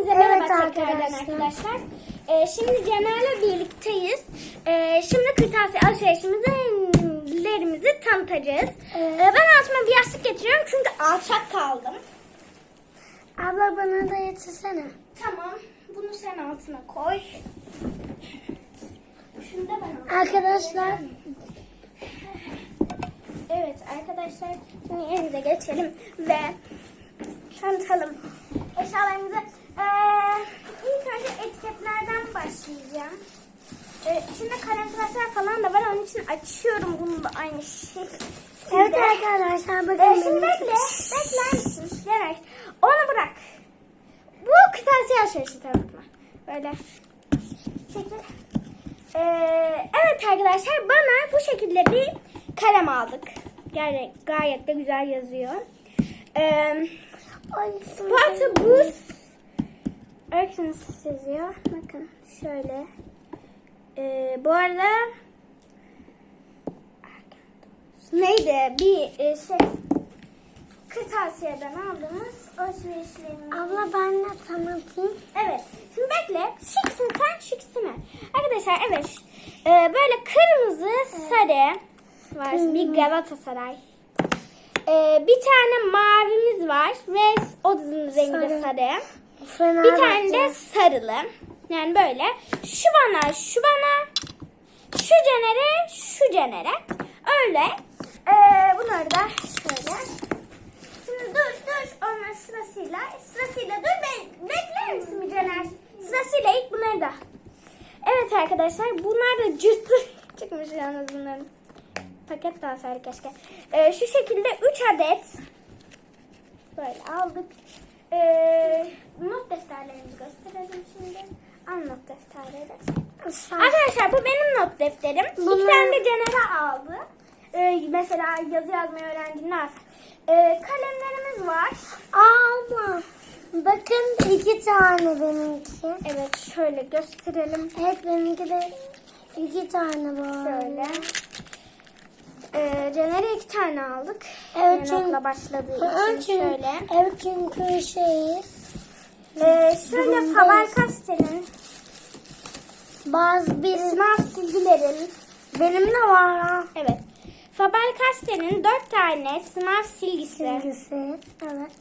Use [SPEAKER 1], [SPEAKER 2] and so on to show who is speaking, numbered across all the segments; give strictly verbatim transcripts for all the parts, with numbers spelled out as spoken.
[SPEAKER 1] Hepinize merhaba
[SPEAKER 2] Evet
[SPEAKER 1] tekrardan
[SPEAKER 2] arkadaşlar.
[SPEAKER 1] arkadaşlar. Ee, şimdi Cener'le birlikteyiz. Ee, şimdi kırtasiye alışverişimizi tanıtacağız.
[SPEAKER 2] Evet.
[SPEAKER 1] Ee, ben altıma bir yastık getiriyorum çünkü alçak kaldım.
[SPEAKER 2] Abla bana da getirsene.
[SPEAKER 1] Tamam. Bunu sen altına koy. Şunu da ben altına
[SPEAKER 2] Arkadaşlar.
[SPEAKER 1] koyacağım. Evet arkadaşlar. Şimdi yerimize geçelim ve tanıtalım eşyalarımızı. Ee, ilk önce etiketlerden başlayacağım. Ee, içinde kalem tıraşlar falan da var. Onun için açıyorum bunu da aynı şey.
[SPEAKER 2] Evet arkadaşlar bakın.
[SPEAKER 1] Ee, şimdi
[SPEAKER 2] benim-
[SPEAKER 1] bekle. Bekler misin? Genel. Onu bırak. Bu kırtasiye alışverişi tanıtma. Böyle. Çekil. Ee, evet arkadaşlar bana bu şekilde bir kalem aldık. Yani gayet de güzel yazıyor. Ee,
[SPEAKER 2] Ay,
[SPEAKER 1] Portobus Erkens yazıyor. Bakın şöyle. Ee, bu arada neydi? Bir e, şey kırtasiyeden aldığımız alışverişlerimiz.
[SPEAKER 2] Abla ben de tanıtayım.
[SPEAKER 1] Evet. Şimdi bekle. Şıksın sen şıksın mı? Arkadaşlar evet. Ee, böyle kırmızı sarı var. Bir Galatasaray. Ee, bir tane mavimiz var ve o rengi de
[SPEAKER 2] Sarı.
[SPEAKER 1] sarı.
[SPEAKER 2] Fena
[SPEAKER 1] Bir tane de
[SPEAKER 2] bakacağım.
[SPEAKER 1] sarılı. Yani böyle. Şu bana, şu bana, şu Cener'e, şu Cener'e. Öyle. Ee, bunları da şöyle. Şimdi dur dur. Onlar sırasıyla. Sırasıyla dur. Be bekler misin bir Cener? Sırasıyla ilk bunları da. Evet arkadaşlar. Bunlar da cırtlı çıkmış yalnız bunların. Paket daha sarı keşke. Ee, şu şekilde üç adet böyle aldık. Ee, not defterlerimizi gösterelim şimdi. Al not defterleri.
[SPEAKER 2] Sen-
[SPEAKER 1] Arkadaşlar bu benim not defterim.
[SPEAKER 2] Bunlar-
[SPEAKER 1] İki tane de Cener'e aldı. Ee, mesela yazı yazmayı öğrendiğinde ee, kalemlerimiz var.
[SPEAKER 2] Abla. Bakın iki tane benimki.
[SPEAKER 1] Evet şöyle gösterelim.
[SPEAKER 2] Evet benimki de iki tane var.
[SPEAKER 1] Şöyle. Ee, Cener'e iki tane aldık.
[SPEAKER 2] Evet,
[SPEAKER 1] Yeni
[SPEAKER 2] çünkü-
[SPEAKER 1] okula başladığı
[SPEAKER 2] Evet,
[SPEAKER 1] için şöyle.
[SPEAKER 2] Evet çünkü şeyiz.
[SPEAKER 1] Ee, şöyle
[SPEAKER 2] Durumdayız.
[SPEAKER 1] Faber-Castell'in
[SPEAKER 2] Bazı bir
[SPEAKER 1] sınav silgilerin.
[SPEAKER 2] benim de var ha.
[SPEAKER 1] Evet. Faber-Castell'in dört tane sınav silgisi.
[SPEAKER 2] Silgisi. Evet.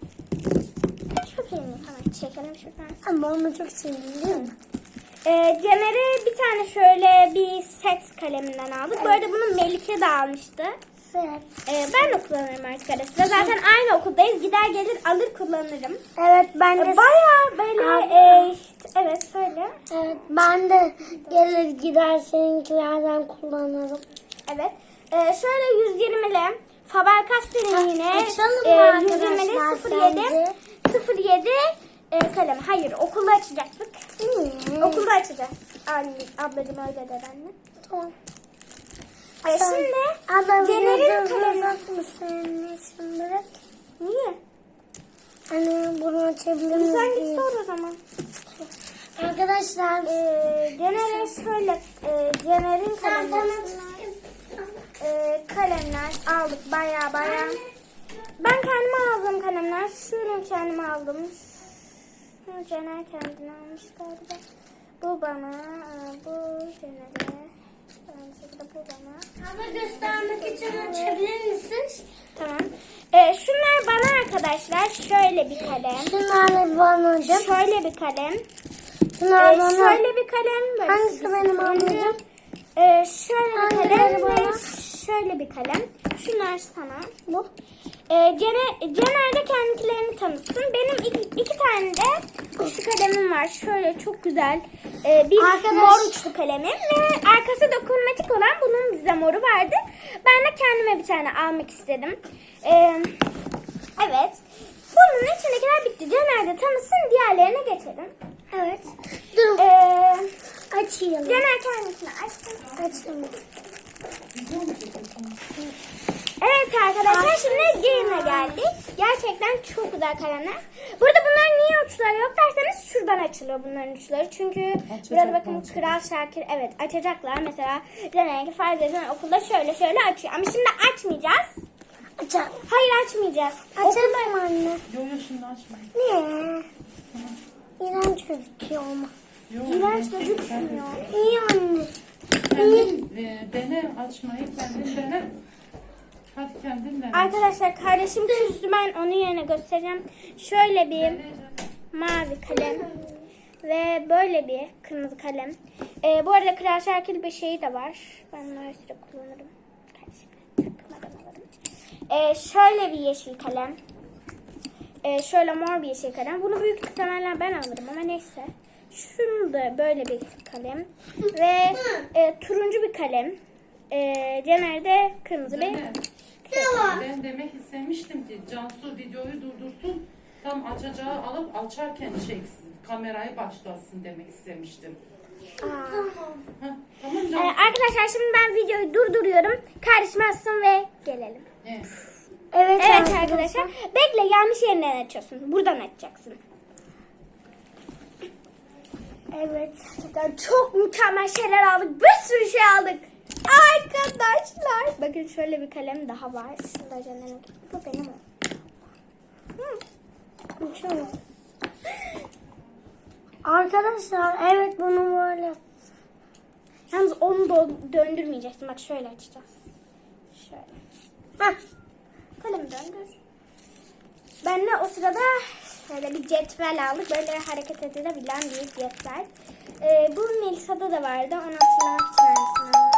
[SPEAKER 1] Çok iyi. Hemen çekelim şuradan.
[SPEAKER 2] Ama onu çok sevdim değil mi?
[SPEAKER 1] Ee, Cener'e bir tane şöyle bir set kaleminden aldık. Bu arada bunu Melike de almıştı.
[SPEAKER 2] Evet.
[SPEAKER 1] Ee, ben de kullanırım artık ara sıra. Zaten aynı okuldayız. Gider gelir alır kullanırım.
[SPEAKER 2] Evet ben de
[SPEAKER 1] Ee, Bayağı böyle
[SPEAKER 2] Abi.
[SPEAKER 1] e, evet söyle.
[SPEAKER 2] evet, ben de gelir gider seninkilerden kullanırım.
[SPEAKER 1] Evet. Ee, şöyle yüz yirmili Faber-Castell'in yine
[SPEAKER 2] Açalım mı
[SPEAKER 1] e,
[SPEAKER 2] arkadaşlar
[SPEAKER 1] yüz yirmili sıfır yedi
[SPEAKER 2] sence?
[SPEAKER 1] sıfır yedi e, kalem. Hayır okulda açacaktık.
[SPEAKER 2] Hmm.
[SPEAKER 1] Okulda açacağız. Anne, ablacığım öyle dedi anne.
[SPEAKER 2] Tamam.
[SPEAKER 1] Ay,
[SPEAKER 2] Sen-
[SPEAKER 1] şimdi
[SPEAKER 2] Abla
[SPEAKER 1] Cener'in
[SPEAKER 2] bir
[SPEAKER 1] kalemi.
[SPEAKER 2] bak mısın? Şimdi
[SPEAKER 1] Niye?
[SPEAKER 2] hani bunu açabilir
[SPEAKER 1] Sen
[SPEAKER 2] miyiz?
[SPEAKER 1] git sor o zaman.
[SPEAKER 2] Arkadaşlar
[SPEAKER 1] Ee, Cener'e şöyle e, Cener'in
[SPEAKER 2] sen
[SPEAKER 1] kalemleri,
[SPEAKER 2] bana
[SPEAKER 1] e, kalemler aldık baya baya. Ben kendime aldığım kalemler. Şunu kendime aldım. Şunu Cener kendine almış galiba. Bu bana, e, bu Cener'e. Aynı şekilde bu bana.
[SPEAKER 2] Abla göstermek için açabilir misin?
[SPEAKER 1] Tamam. Ee, şunlar bana arkadaşlar. Şöyle bir kalem.
[SPEAKER 2] Şunlarla bana hocam.
[SPEAKER 1] Şöyle bir kalem.
[SPEAKER 2] Şunlar
[SPEAKER 1] Ee,
[SPEAKER 2] bana.
[SPEAKER 1] şöyle bir kalem. Böyle
[SPEAKER 2] Hangisi
[SPEAKER 1] bir
[SPEAKER 2] benim
[SPEAKER 1] turuncu.
[SPEAKER 2] ablacığım?
[SPEAKER 1] Ee, şöyle bir
[SPEAKER 2] Hangileri
[SPEAKER 1] kalem
[SPEAKER 2] bana?
[SPEAKER 1] ve şöyle bir kalem. Şunlar sana. Bu. Ee, Cener, Cener de kendilerini tanıtsın. Benim iki, iki tane de şu kalemim var. Şöyle çok güzel ee, bir
[SPEAKER 2] Arkadaş-
[SPEAKER 1] mor uçlu kalemim. Ve arkası dokunmatik olan bunun bize moru vardı. Ben de kendime bir tane almak istedim. Ee, evet. Bunun içindekiler bitti. Cener de tanısın. Diğerlerine geçelim.
[SPEAKER 2] Evet. Dur.
[SPEAKER 1] Ee,
[SPEAKER 2] Açayım.
[SPEAKER 1] Cener kendisini açsın.
[SPEAKER 2] Açayım.
[SPEAKER 1] Evet arkadaşlar şimdi Game'e geldik. Gerçekten çok güzel kalemler. Burada bunların niye uçları yok derseniz şuradan açılıyor bunların uçları. Çünkü burada bakın Kral Şakir evet açacaklar. Mesela Cener'inki farz edin okulda şöyle şöyle açıyor. Ama şimdi açmayacağız.
[SPEAKER 2] Açalım.
[SPEAKER 1] Hayır açmayacağız.
[SPEAKER 2] Açalım anne.
[SPEAKER 3] Yok yok şimdi açma.
[SPEAKER 2] Niye? gözüküyor ama.
[SPEAKER 3] Yok,
[SPEAKER 1] İğrenç
[SPEAKER 3] renkli
[SPEAKER 1] gözükmüyor.
[SPEAKER 2] İyi anne.
[SPEAKER 3] Kendin e, dene açmayı, kendin dene. Hadi kendin dene.
[SPEAKER 1] Arkadaşlar kardeşim küstü, ben onun yerine göstereceğim. Şöyle bir
[SPEAKER 3] Dene.
[SPEAKER 1] mavi kalem ve böyle bir kırmızı kalem. Ee, bu arada Kral Şakir bir şeyi de var. Ben bunu her süre kullanırım. Kardeşim çaktırmadan alırım. Ee, şöyle bir yeşil kalem. Ee, şöyle mor bir yeşil kalem. Bunu büyük ihtimalle ben alırım ama neyse. Şunu da böyle bir kalem. Ve e, turuncu bir kalem. E, Caner'de kırmızı bir
[SPEAKER 3] Dene. Ben demek istemiştim ki Cansu videoyu durdursun. Tam açacağı alıp açarken çeksin. Kamerayı başlatsın demek istemiştim.
[SPEAKER 1] Aa.
[SPEAKER 3] Heh, tamam
[SPEAKER 1] Ee,
[SPEAKER 3] Cansu.
[SPEAKER 1] arkadaşlar şimdi ben videoyu durduruyorum. Kardeşim açsın ve gelelim.
[SPEAKER 3] Evet.
[SPEAKER 2] Evet,
[SPEAKER 1] Evet arkadaşlar. Bekle, yanlış yerinden açıyorsun. Buradan açacaksın.
[SPEAKER 2] Evet.
[SPEAKER 1] Gerçekten çok mükemmel şeyler aldık. Bir sürü şey aldık. Arkadaşlar. Bakın şöyle bir kalem daha var. Şunu da Caner'e. Bu benim o.
[SPEAKER 2] Şöyle. Arkadaşlar evet bunu böyle.
[SPEAKER 1] Yalnız onu da döndürmeyeceksin. Bak şöyle açacağız. Şöyle. Hah. Kalemi döndür. Ben de o sırada şöyle bir cetvel aldık. Böyle hareket edilebilen bir cetvel. Ee, bu Melisa'da da vardı. Onu hatırlamak için aynısını